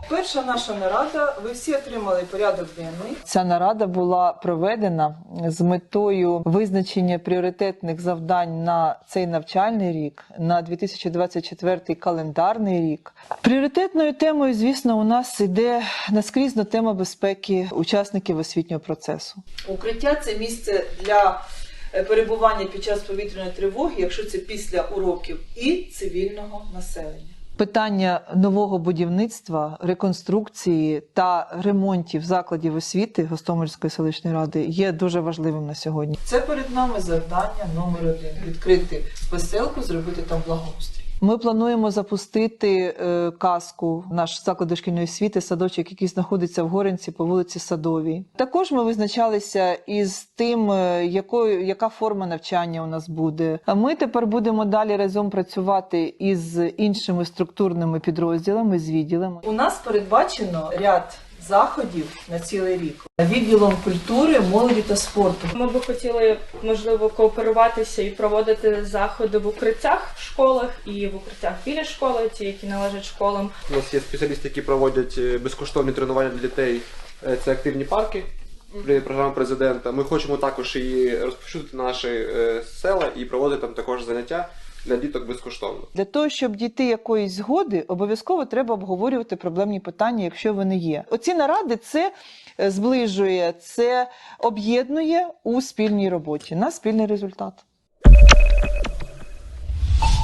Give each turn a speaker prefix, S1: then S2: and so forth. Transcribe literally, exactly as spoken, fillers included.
S1: Перша наша нарада, ви всі отримали порядок денний.
S2: Ця нарада була проведена з метою визначення пріоритетних завдань на цей навчальний рік, на дві тисячі двадцять четвертий календарний рік. Пріоритетною темою, звісно, у нас йде наскрізно тема безпеки учасників освітнього процесу.
S1: Укриття – це місце для перебування під час повітряної тривоги, якщо це після уроків, і цивільного населення.
S2: Питання нового будівництва, реконструкції та ремонтів закладів освіти Гостомельської селищної ради є дуже важливим на сьогодні.
S1: Це перед нами завдання номер один – відкрити веселку, зробити там благоустрій.
S2: Ми плануємо запустити е, казку, наш заклад дошкільної освіти, садочок, який знаходиться в Горинці по вулиці Садовій. Також ми визначалися із тим, е, якою, яка форма навчання у нас буде. А ми тепер будемо далі разом працювати із іншими структурними підрозділами, з відділами.
S1: У нас передбачено ряд заходів на цілий рік. Відділом культури, молоді та спорту.
S3: Ми би хотіли, можливо, кооперуватися і проводити заходи в укриттях в школах і в укриттях біля школи, ті, які належать школам.
S4: У нас є спеціалісти, які проводять безкоштовні тренування для дітей. Це активні парки, програма президента. Ми хочемо також її розповсюдити на наші села і проводити там також заняття для діток безкоштовно.
S2: Для того, щоб дійти якоїсь згоди, обов'язково треба обговорювати проблемні питання, якщо вони є. Оці наради – це зближує, це об'єднує у спільній роботі на спільний результат.